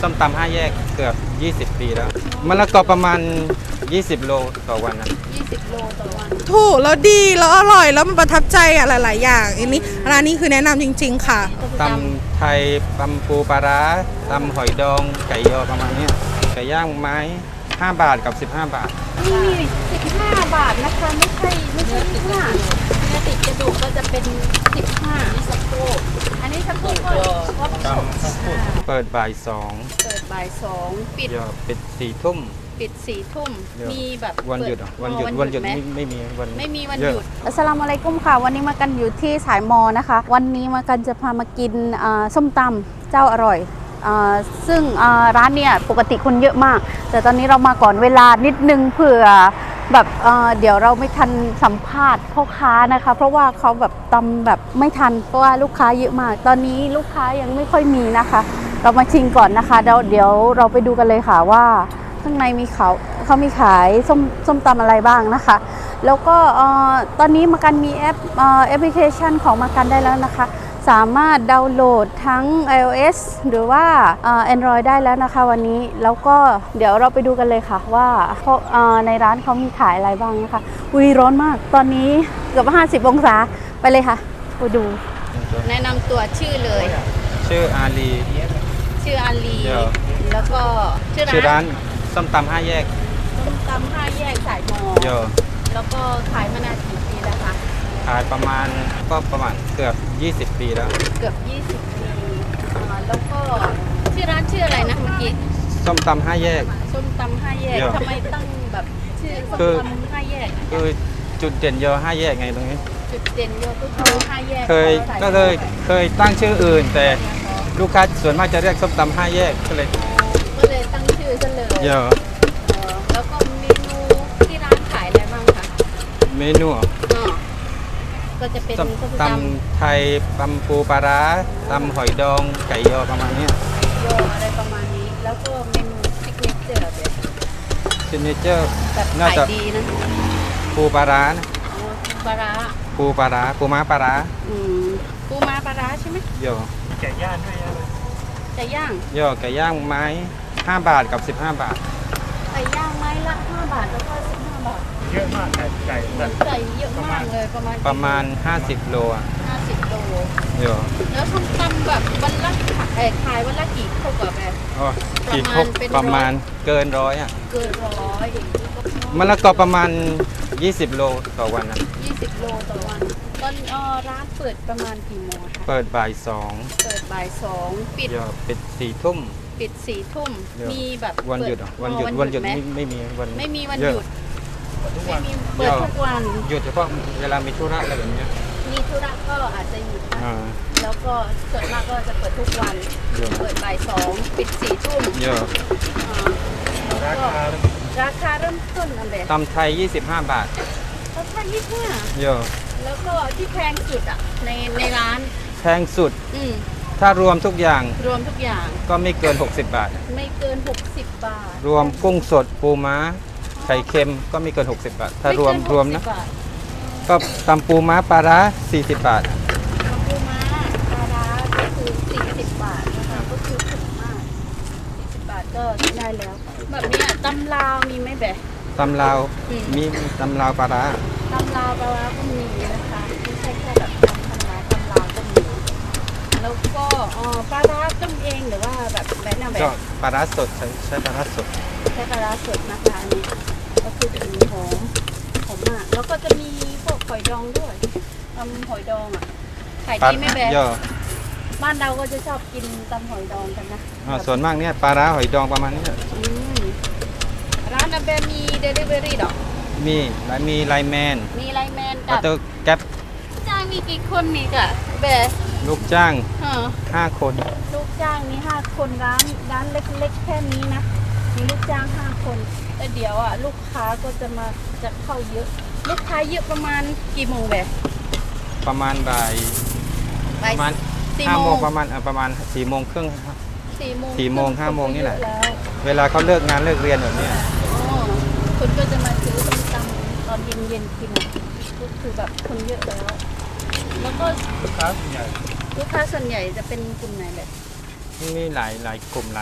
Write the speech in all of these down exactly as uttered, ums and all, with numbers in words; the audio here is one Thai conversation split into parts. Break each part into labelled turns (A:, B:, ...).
A: ส้มตำห้าแยกเกือบยี่สิบปีแล้วมะละกอประมาณยี่สิบโลต่อวันนะ
B: ยี่สิบโลต่อวัน
C: ถูกแล้วดีแล้วอร่อยแล้วมันประทับใจอะหลายๆอย่างอันนี้ร้านนี้คือแนะนำจริงๆค่ะ
A: ตำไทยตำปูปลาร้าตำหอยดองไก่ยอประมาณนี้ไก่ย่างไม้ห้าบาทกับสิบห้าบาท
B: นี่สิบห้าบาทนะคะไม่ใช่ไม่ใช่สิบห้าเนื้อติดกระดูกก็จะเป็นสิบห้าสะโพกอันนี้สะโพกก็
A: เปิดบ่ายสอง
B: เปิดบ่ายสองปิด
A: ปิดสี่ทุ่ม
B: ปิดสี่ทุ่มมีแบบ
A: วันหยุดวันหยุดวันหยุดไม่ไม่มีวัน
B: ไม่มีวันหยุดอัสสลามุอะลัยกุมค่ะวันนี้มากันอยู่ที่สายมอนะคะวันนี้มากันจะพามากินส้มตำเจ้าอร่อยซึ่งร้านเนี่ยปกติคนเยอะมากแต่ตอนนี้เรามาก่อนเวลานิดนึงเผื่อแบบเ, เดี๋ยวเราไม่ทันสัมภาษณ์พ่อค้านะคะเพราะว่าเขาแบบตำแบบไม่ทันเพราะว่าลูกค้าเยอะมากตอนนี้ลูกค้ายังไม่ค่อยมีนะคะเรามาชิมก่อนนะคะเดี๋ยวเดี๋ยวเราไปดูกันเลยค่ะว่าข้างในมีเขาเขามีขายส้มส้มตำอะไรบ้างนะคะแล้วก็ตอนนี้มากันมีแอปแอปพลิเคชันของมากันได้แล้วนะคะสามารถดาวน์โหลดทั้ง ไอ โอ เอส หรือว่า Android ได้แล้วนะคะวันนี้แล้วก็เดี๋ยวเราไปดูกันเลยค่ะว่าในร้านเขามีขายอะไรบ้างนะคะอุ้ยร้อนมากตอนนี้เกือบห้าสิบองศาไปเลยค่ะไปดูแนะนำตัวชื่อเลย
A: ชื่ออาลี
B: ชื่ออาลีแล้วก็
A: ชื่อร้านส้มตำห้าแยก
B: ส้มตำห้าแยกสายมอแล้วก็ขายมานานกี่ปีแล้วคะ
A: ขายประมาณก็ประมาณเกือบยี่สิบปีแล้ว
B: เกือบยี่สิบปีแล้วก็ชื่อร้านชื่ออะไรนะเมื่อกี้
A: ส้มตำห้าแยก
B: ส้มตำห้าแยกทำไมตั้งแบบชื่อส้มตำห้าแยก
A: คือจุดเด่นยอห้าแยกไงตรงนี้
B: จุดเด่นยอก็คือห้าแยก
A: เคยก็เลยเคยตั้งชื่ออื่นแต่ลูกค้าส่วนมากจะเรียกส้มตำห้าแยกก็เลย
B: ก็เลยตั้งชื่อซะเลย
A: เยอะ
B: แล้วก็เมนูที่ร้านขายอะไรบ้างคะ
A: เมนู
B: ก็จะเป็น
A: ตำไทยตำปูปลาร้าตำหอยดองไก่ยอประมาณนี้
B: ยออะไรประมาณนี้แล้วก็เมนูซิกเนเจอร์แบบ
A: ซิกเนเจอร์
B: แบบขายดีนะ
A: ปูปลาร้านะ
B: ปลาร้า
A: ปูปลาร้าปูม้าปลาร้า
B: อืมปูม้าปลาร้าใช่ไหม
A: ยอ
B: ไก่ย่างด้วยไก่ย่าง
A: ยอไก่ย่างไม้ห้าบาทกับสิบห้าบาท
B: ไก่ย่างไม้ละห้าบาทแล้วก็สิบห้าบาท
A: เยอะมากไก่ไก่
B: ไก่เยอะมากเลยประมาณ
A: ประมาณห้าสิบโลอ่ะ
B: ห้าสิบโล
A: เยอะ
B: แล้วส้มตำแบบวันละขายขายวันละกี่ข้าวกับแบบ
A: อ๋อกี่ครบประมาณเกินร้อยอ่ะ
B: เกินร้อย
A: มะละกอประมาณยี่สิบโลต่อวันนะ
B: ยี่สิบโลต่อวันตอนร้านเปิดประมาณกี่โมงคะ
A: เปิดบ่ายสอง
B: เปิดบ่ายสองปิด
A: ปิดสี่ทุ่ม
B: ปิดสี่ทุ่มมีแบบ
A: วันหยุดวันหยุดวันหยุดไม่ไม่มีวัน
B: ไม่มีวันหยุดไม่มีเปิดทุกวัน
A: หยุดเฉพาะเวลามีธุระอะไรแบบนี้
B: มีธุระก็อาจจะหยุดนะแล้วก็ส่วนมากก็จะเปิดทุกวันเปิดบ่ายสองปิดสี่ทุ่ม
A: เยอะ
B: ราคาราคาเริ่มต้นอะไร
A: ตำไทยยี่สิบห้าบาท
B: ตำไทยยี่สิบห้า
A: เยอะ
B: แล้วก็ที่แพงสุดอ่ะในในร้าน
A: แพงสุดถ้ารวมทุกอย่าง
B: รวมทุกอย่าง
A: ก็ไม่เกินหกสิบบาท
B: ไม่เกินหกสิบบาท
A: รวมกุ้งสดปูม้าไข่เค็มก็ไม่เกินหกสิบบาทถ้ารวมรวมนะก็ตำปูม้าปลาร้าสี่สิบบาท
B: ตำปูม้าปลาร้าก็คือสี่สิบบาทนะคะก็คือถูกมากสี่สิบบาทก็ได้แล้วแบบนี้ตำลาวมีไหมแบบ
A: ตำลาวมีตำลาวปลาร้า
B: ตำลาวปลาร้าก็มีนะคะไม่ใช่แค่แบบตำธรรมดาตำลาวก็มีแล้วก็ปลาร้าต้มเองหรือว่าแบบแบบนั้นแบบ
A: ปลาร้าสดใช้ใช้ปลาร้าสด
B: ใช้ปลาร้าสดนะคะอันนี้ก็คือถึงหอมหอมมากแล้วก็จะมีพวกหอยดองด้วยตำหอยดองอ่ะขายดีไม่แพ้บ้านเราก็จะชอบกินตำหอยดองกันนะ
A: ส่วนมากเนี่ยปลาร้าหอยดองประมาณนี้
B: ร้านอาเบมีเดลิเวอรี่ดอก
A: มีและมีไลแมน
B: มีไลแมนกับ
A: แก๊ป
B: จ้างมีกี่คนนี่กะเบ
A: ลูกจ้างห้าคน
B: ลูกจ้างมีห้าคนร้านร้านเล็กๆแค่นี้นะมีลูกจ้างห้าคนแต่เดี๋ยวอ่ะลูกค้าก็จะมาจะเข้าเยอะลูกค้าเยอะประมาณกี่โมงแบบ
A: ประมาณบ่ายประมาณห้าโมงประมาณประมาณสี่โมงครึ่งครับ
B: สี่โมง
A: สี่โมงห้าโมงนี่แหละเวลาเขาเลิกงานเลิกเรียนแบบนี้
B: คนก็จะมาซื้อส้มตำตอนเย็นๆกินก็คือแบบคนเยอะแล้วแล้วก็
A: ลูกค้าส่วนใหญ่
B: ลูกค้าส่วนใหญ่จะเป็นกลุ่มไหนแบบ
A: มีหลายหลายกลุ่มหลาย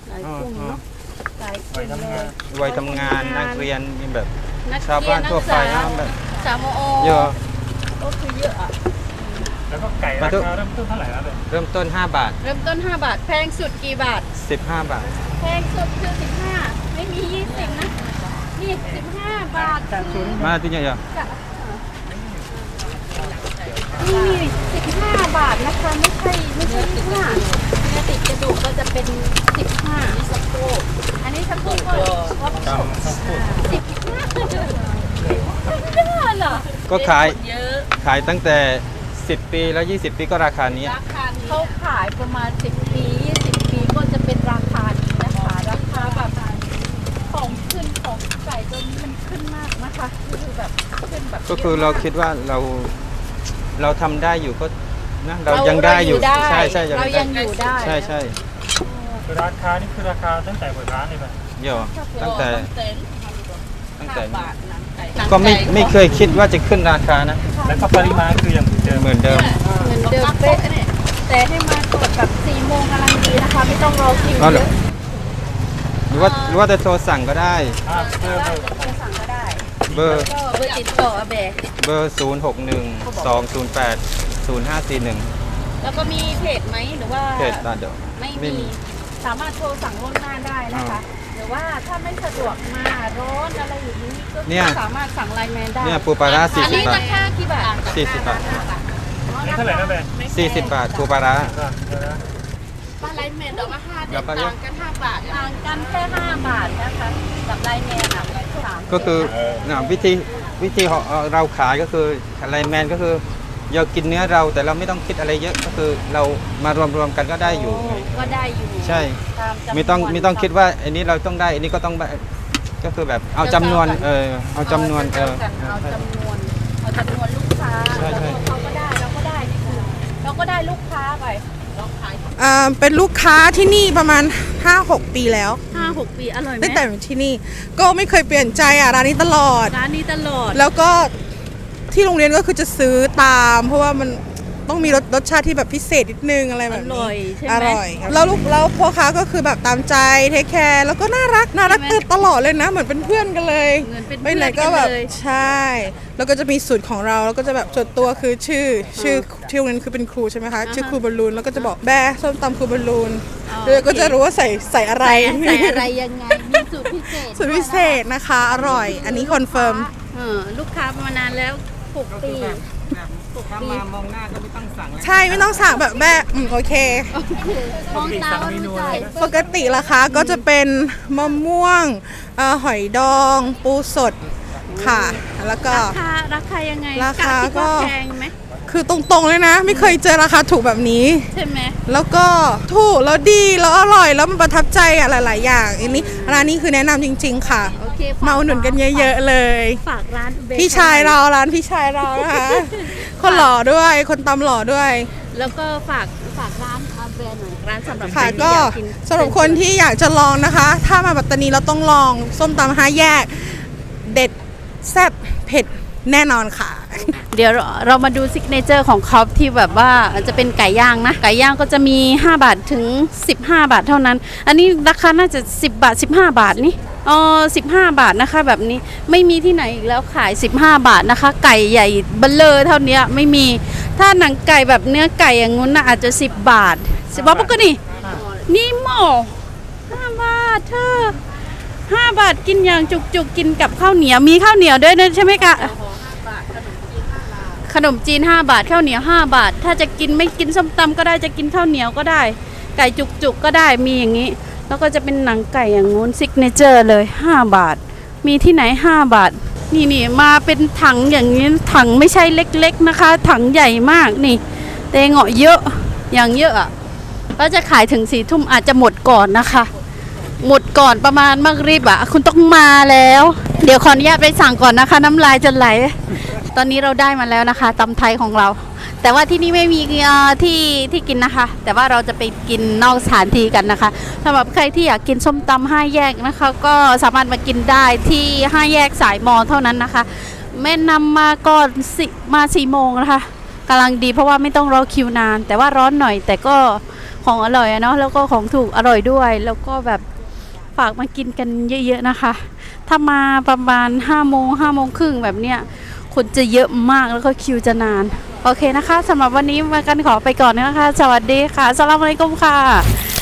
B: หลายกลุ่มเนาะหลายกลุ่มเลย
A: วัยทำงานนักเรียนมีแบบ
B: นัก
A: ชาว
B: เรีย
A: บ้าน นทั่วไป
B: นั
A: นะ
B: กศึกษา
A: แบบ
B: สามโอ
A: เยอะ
B: ก็คือเยอะอ่ะ
D: แล้วก็ไก่ราคาเริ่มต้นเท่าไหร่แล้วเลย
A: เริ่มต้นห้าบาท
B: เริ่มต้นห้าบาทแพงสุดกี่บาท
A: สิบห้าบาท
B: แพงสุดคือสิบห้าไม่มียี่สิบนะนี่สิบห้าบาทคือ
A: มาที่นี่เยอะ
B: นี่สิบห้าบาทนะคะไม่ใช่ไม่ใช่ยี่สิบห้าเนื้อติดกระดูกก็จะเป็นสิบห้าสะโพกอันนี้สะโพกก็ก็สิบห้าสิบห้าเหรอ
A: ก็ขาย
B: เยอะ
A: ขายตั้งแต่สิบปีแล้วยี่สิบปีก็ราคานี้
B: ราคาเขาขายประมาณสิบปียี่สิบปีก็จะเป็นราคานี้นะคะราคาแบบของขึ้นของไก่ตัวนี้มันขึ้นมากนะคะคือแบบขึ้นแบบ
A: ก็คือเราคิดว่าเราเราทำได้อยู่ก็นะเรา
B: เรา
A: ยังได้อยู่
B: เรา
A: ใช่ใช่
B: เรายังอยู่ได้
A: ใช่ใช่
D: คือราคานี่คือราคาตั้งแต่เปิดร้านเลยป่ะ
A: เยอะตั้งแต่ตั้งแต่
B: บาทหนังไก่
A: ก็ไม่ไม่เคยคิดว่าจะขึ้นราคานะ
D: แล้วก็ปริมาณคือยังเดิม
A: เหมือนเดิม
B: เหมือนเดิมเป๊ะเนี่ยแต่ให้มาตรวจแบบสี่โมงกำลังดีนะคะ ไม่ต้องรอคิว
A: อ๋อเหร
B: เย
A: อ
B: อะ
A: หรือว่าหรือว่าจะโทรสั่งก็ได้
D: อ่าเพิ่ม
B: ได้
D: เพิ่ม
B: จะโทรสั่งก็ได้
A: เบอร์
B: ก็เบอร์ติดต่ออาเบะ
A: เบอร์ศูนย์หกหนึ่งสองศูนย์แปดศูนย์ห้าสี่หนึ่ง
B: แล้วก็มีเพจไหมหรือว่า
A: เพจตาเดียว
B: ไม่
A: ไม่
B: มี
A: มี
B: สามารถโทรสั่งล่วงหน้าได้นะคะ หรือว่าถ้าไม่สะดวกมาร้อนอะไรอย่างนี้ก็
A: เนี่ย
B: สามารถสั่งไลน์แมนได้
A: เนี่ยปูปลาร้าสี่
B: อัน
A: สิบ
B: นี้
A: บา
B: รา
A: ท
B: คากี่บาท
A: สี่สิบบาท
D: นี่เท่าไหร่นะแม่
A: สี่สิบบาทปูปลาร้า
D: อ่าเดี๋ยวนะ
B: บ้านไลน์แมนดอกละห้า
A: เดี๋ยวไป
B: ต่างกันห้าบาทต่างกันแค่ห้าบาทนะคะกับไลน์แมนอ่ะสาม
A: ก็คือนะวิธีวิธีของเราขายก็คืออะไรแมนก็คือเรากินเนื้อเราแต่เราไม่ต้องคิดอะไรเยอะก็คือเรามารวมๆกันก็ได้อยู่
B: โก็ได้อยู่
A: ใช่
B: ตามจำนวน
A: ไม่ต้องไม่ต้องคิดว่าอันนี้เราต้องได้อันนี้ก็ต้องได้ก็คือแบบเอาจำนวนเออเอาจำนวนเออ
B: เอาจำนวนเอาจำนวนลูกค้า
A: ใช่
B: แล้ว
A: ใช่
B: เขาก็ได้เราก็ได้นี่คือเราก็ได้ลูกค้าไปเราขาย
C: อ่าเป็นลูกค้าที่นี่ประมาณ ห้าหก ปีแล้ว
B: ห้าหกปีอร่อยไหม
C: ตั้งแต่อยู่ที่นี่ก็ไม่เคยเปลี่ยนใจอ่ะร้านนี้ตลอด
B: ร้านนี้ตลอด
C: แล้วก็ที่โรงเรียนก็คือจะซื้อตาม เพราะว่ามันต้องมีรสรสชาติที่แบบพิเศษนิดนึงอะไรแบบนี้
B: อร่อยใช่ไหม
C: อร่อยครับแล้วลูกแล้วพ่อค้าก็คือแบบตามใจเทคแคร์แล้วก็น่ารักน่ารัก
B: ใช่ไหม
C: ตลอดเลยนะ เหมือนเป็นเพื่อนกันเลย
B: เหมือนเป็น
C: ไปไหน
B: เพื่อนกัน
C: ก็แบบ
B: เลย
C: ใช่ แล้วก็จะมีสูตรของเราแล้วก็จะแบบส่วนตัวคือชื่อชื่อที่โรงเรียนคือเป็นครูใช่ไหมคะชื่อครูบอลลูนแล้วก็จะบอกแบร์ส้มตำครูบอลลูน
B: อ๋อ
C: แล้วก็จะรู้ว่าใส่ใส่อะไร
B: ใส่อะไรยังไงมีสูตรพิเศษ
C: สูตรพิเศษนะคะ อร่อย อันนี้คอนเฟิร์ม
B: เออลูกค้ามานานแล้วหกปี
A: ถ้ามามองหน้าก็ไม่ต้องสั่ง
C: ใช่ไม่ต้องสั่งแบบแบบอืมโอเค
B: มองตาว่ารู้ใจ
C: ปกติราคาก็จะเป็นมะม่วงเอ่อหอยดอง ปูสดค่ะ แล้วก็
B: ราคาราคายังไง
C: ราคา
B: คิดว่
C: ก็
B: แพงไหม
C: คือตรงๆเลยนะ ไม่เคยเจอราคาถูกแบบนี้
B: ใช่ไหม
C: แล้วก็ถูกแล้วดีแล้วอร่อยแล้วมันประทับใจอะหลาย ๆ อย่างอันนี้ร้านนี้คือแนะนำจริง ๆ ค่ะ
B: โอเคฝ
C: มาอุดหนุนกันเยอะ ๆ เลย
B: ฝากร้านเบคอน
C: พี่ชายเราร้านพี่ชายเรานะคะ คนหล่อด้วยคนตำหล่อด้วย
B: แล้วก็ฝากฝากร้านอาแบรนด์หน่อยร้านสำหรับ
C: ค่ะ
B: ใครที่
C: ก็
B: อยากกิน
C: สำหรับคนที่อยากจะลองนะคะ ถ้ามาปัตตานีเราต้องลองส้มตำห้าแยก เด็ดแซ่บเผ็ดแน่นอนค่ะ
B: เดี๋ยวเราเรามาดูซิกเนเจอร์ของเขาที่แบบว่าจะเป็นไก่ย่างนะ ไก่ย่างก็จะมี ห้า บาทถึง สิบห้า บาทเท่านั้น อันนี้ราคาน่าจะ สิบ บาท สิบห้า บาทนี่อ๋อสิบห้า บาทนะคะ แบบนี้ไม่มีที่ไหนอีกแล้วขาย สิบห้า บาทนะคะ ไก่ใหญ่เบลเลอร์เท่านี้ไม่มี ถ้าหนังไก่แบบเนื้อไก่อย่างงู้นน่ะอาจจะ สิบ บาทสิบบาทปกตินี่หม้อห้าบาทเธอห้าบาทกินอย่างจุกๆกินกับข้าวเหนียวมีข้าวเหนียวด้วยนะใช่ไหมคะ ขนมจีนห้าบาทข้าวเหนียวห้าบาท ถ้าจะกินไม่กินส้มตำก็ได้จะกินข้าวเหนียวก็ได้ ไก่จุกๆก็ได้มีอย่างนี้ แล้วก็จะเป็นหนังไก่อย่างงู้นซิกเนเจอร์เลยห้าบาท มีที่ไหนห้าบาท นี่นี่มาเป็นถังอย่างนี้ถังไม่ใช่เล็กๆนะคะ ถังใหญ่มากนี่เตงเหาะเยอะอย่างเยอะอ่ะก็จะขายถึงสี่ทุ่มอาจจะหมดก่อนนะคะ หมดก่อนประมาณมักรีบอ่ะคุณต้องมาแล้ว เดี๋ยวขออนุญาตไปสั่งก่อนนะคะ น้ำลายจะไหล ตอนนี้เราได้มาแล้วนะคะตำไทยของเรา แต่ว่าที่นี่ไม่มีเอ่อที่ที่กินนะคะ แต่ว่าเราจะไปกินนอกสถานที่กันนะคะสำหรับใครที่อยากกินส้มตำห้าแยกนะคะ ก็สามารถมากินได้ที่ห้าแยกสายมอเท่านั้นนะคะแม่นำมาก่อนสิมาสี่โมงนะคะกำลังดีเพราะว่าไม่ต้องรอคิวนาน แต่ว่าร้อนหน่อย แต่ก็ของอร่อยอะเนาะแล้วก็ของถูกอร่อยด้วย แล้วก็แบบฝากมากินกันเยอะๆนะคะ ถ้ามาประมาณห้าโมงห้าโมงครึ่งแบบเนี้ยคนจะเยอะมากแล้วก็คิวจะนานโอเคนะคะสำหรับวันนี้มากันขอไปก่อนนะคะสวัสดีค่ะอัสสลามุอะลัยกุมค่ะ